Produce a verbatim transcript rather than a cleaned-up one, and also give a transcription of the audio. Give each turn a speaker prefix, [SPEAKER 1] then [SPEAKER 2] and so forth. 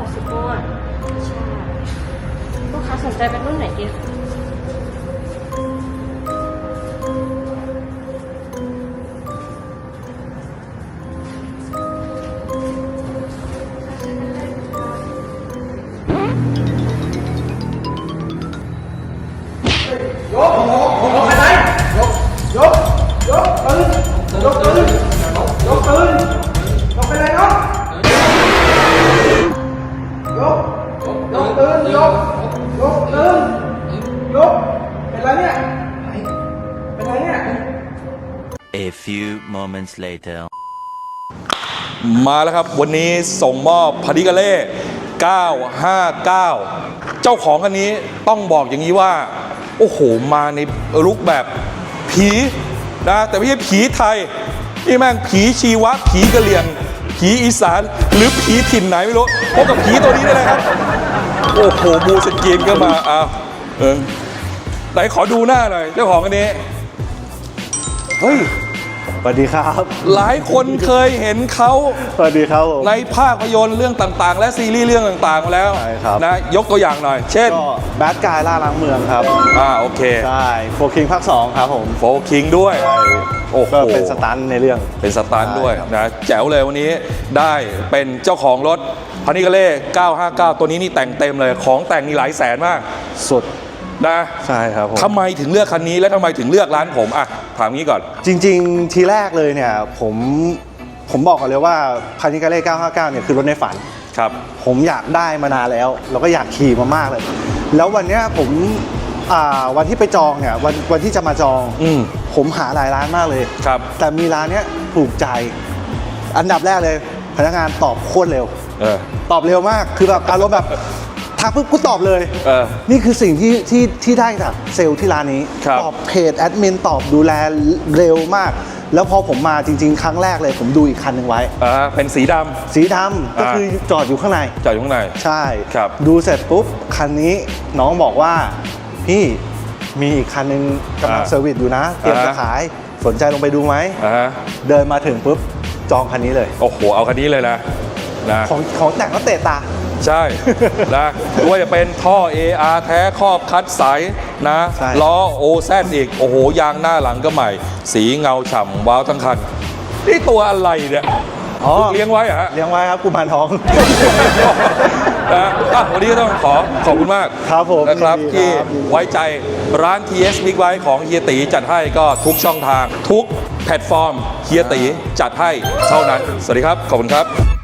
[SPEAKER 1] ค่ะซุปเปอร์ใช่ลูกค้าสนใจเป็นรุ่นไหนดีคะ
[SPEAKER 2] ยกยกอะไรยกยกยกปืนยกปืนยกปืนยกไปเลยยกยกยกปืนยกยกปืนยกเป็นไรเนี่ยเป็นไรเนี่ย
[SPEAKER 3] A few moments later
[SPEAKER 4] มาแล้วครับวันนี้ส่งมอบพาริกาเล่เก้าห้าเก้าเจ้าของคันนี้ต้องบอกอย่างนี้ว่าโอ้โหมาในลุคแบบผีนะแต่ไม่ใช่ผีไทยนี่แม่งผีชีวะผีกะเหรี่ยงผีอีสานหรือผีถิ่นไหนไม่รู้พบกับผีตัวนี้ได้เลยครับโอ้โหบูสกีนก็มาอ้าวเออไหนขอดูหน้าหน่อยเจ้าของคันนี้เฮ้ย
[SPEAKER 5] สวัสดีครับ
[SPEAKER 4] หลายคนเคยเห็นเขา
[SPEAKER 5] สวัสดีครับผม
[SPEAKER 4] ในภาพยนตร์เรื่องต่างๆและซีรีส์เรื่องต่างๆมาแล้ว
[SPEAKER 5] ใช่ครับ
[SPEAKER 4] นะยกตัวอย่างหน่อยเช่น
[SPEAKER 5] ก็แบดกายล่าล้างเมืองครับ
[SPEAKER 4] อ่าโอเค
[SPEAKER 5] ใช่โฟคิงภาคสองครับผม
[SPEAKER 4] โฟคิงด้วยโอ้โห
[SPEAKER 5] ก็เป็นสตันในเรื่อง
[SPEAKER 4] เป็นสตันด้วย
[SPEAKER 5] ใช่ครับ
[SPEAKER 4] นะแจ๋วเลยวันนี้ได้เป็นเจ้าของรถพานิกาเล่เก้าห้าเก้าตัวนี้นี่แต่งเต็มเลยของแต่งนี่หลายแสนมาก
[SPEAKER 5] สุด
[SPEAKER 4] นะ
[SPEAKER 5] ใช่ครับผม
[SPEAKER 4] ทำไมถึงเลือกคันนี้และทำไมถึงเลือกร้านผมอ่ะถามงี้ก่อน
[SPEAKER 5] จริงๆ ทีแรกเลยเนี่ยผมผมบอกก่อนเลยว่าพานิกาเล่เก้าห้าเก้าเนี่ยคือรถในฝัน
[SPEAKER 4] ครับ
[SPEAKER 5] ผมอยากได้มานานแล้วแล้วก็อยากขี่มามากเลย แล้ววันเนี้ยผมอ่าวันที่ไปจองเนี่ยวันวันที่จะมาจอง
[SPEAKER 4] อืม
[SPEAKER 5] ผมหาหลายร้านมากเลย
[SPEAKER 4] ครับ
[SPEAKER 5] แต่มีร้านเนี้ยถูกใจอันดับแรกเลยพนักงานตอบโคตรเร็ว
[SPEAKER 4] เออ
[SPEAKER 5] ตอบเร็วมากคือแบบอารมณ์แบบทักปุ๊บกูตอบเลย
[SPEAKER 4] เออ
[SPEAKER 5] นี่คือสิ่งที่ที่ที่ได้จากเซลล์ที่ร้านนี้
[SPEAKER 4] ครับ
[SPEAKER 5] ตอบเพจแอดมินตอบดูแลเร็วมาก แล้วพอผมมาจริงๆ ครั้งแรกเลยผมดูอีกคันหนึ่งไว้
[SPEAKER 4] อ่าเป็นสีดำ
[SPEAKER 5] สีดำก็คือจอดอยู่ข้างใน
[SPEAKER 4] จอดอยู่ข้างใน
[SPEAKER 5] ใช่
[SPEAKER 4] ครับ
[SPEAKER 5] ดูเสร็จปุ๊บ คันนี้น้องบอกว่า พี่มีอีกคันหนึงกำลัง
[SPEAKER 4] อ่า
[SPEAKER 5] เซอร์วิสอยู่นะ เตรียมจะ
[SPEAKER 4] อ่า
[SPEAKER 5] ขายสนใจลงไปดูไหม
[SPEAKER 4] อ่าฮะ
[SPEAKER 5] เดินมาถึงปุ๊บ จองคันนี้เลย
[SPEAKER 4] โอ้โหเอาคันนี้เลยนะนะ
[SPEAKER 5] ของของแต่งก็เตะตา
[SPEAKER 4] ใช่ นะไม่ว่าจะเป็นท่อ เอ อาร์ แท้ครอบคัดใสนะ
[SPEAKER 5] ใช่
[SPEAKER 4] ล้อโอแซดอีก โอ้โห ยางหน้าหลังก็ใหม่ สีเงาฉ่ำว้าวทั้งคัน นี่ตัวอะไรเนี่ย
[SPEAKER 5] อ๋อ
[SPEAKER 4] เลี้ยงไว้เหรอฮะ
[SPEAKER 5] เลี้ยงไว้ครับกุมารทอง
[SPEAKER 4] นะอ่ะวันนี้ก็ต้องขอขอบคุณมาก
[SPEAKER 5] ครับผม
[SPEAKER 4] นะครับ
[SPEAKER 5] ยินดี
[SPEAKER 4] ที่
[SPEAKER 5] ครับ
[SPEAKER 4] ไว้ใจร้าน ที เอส Big Bike ของเฮียตีจัดให้ก็ทุกช่องทาง ทุกแพลตฟอร์มเฮียตีจัดให้เท่านั้น สวัสดีครับ ขอบคุณครับ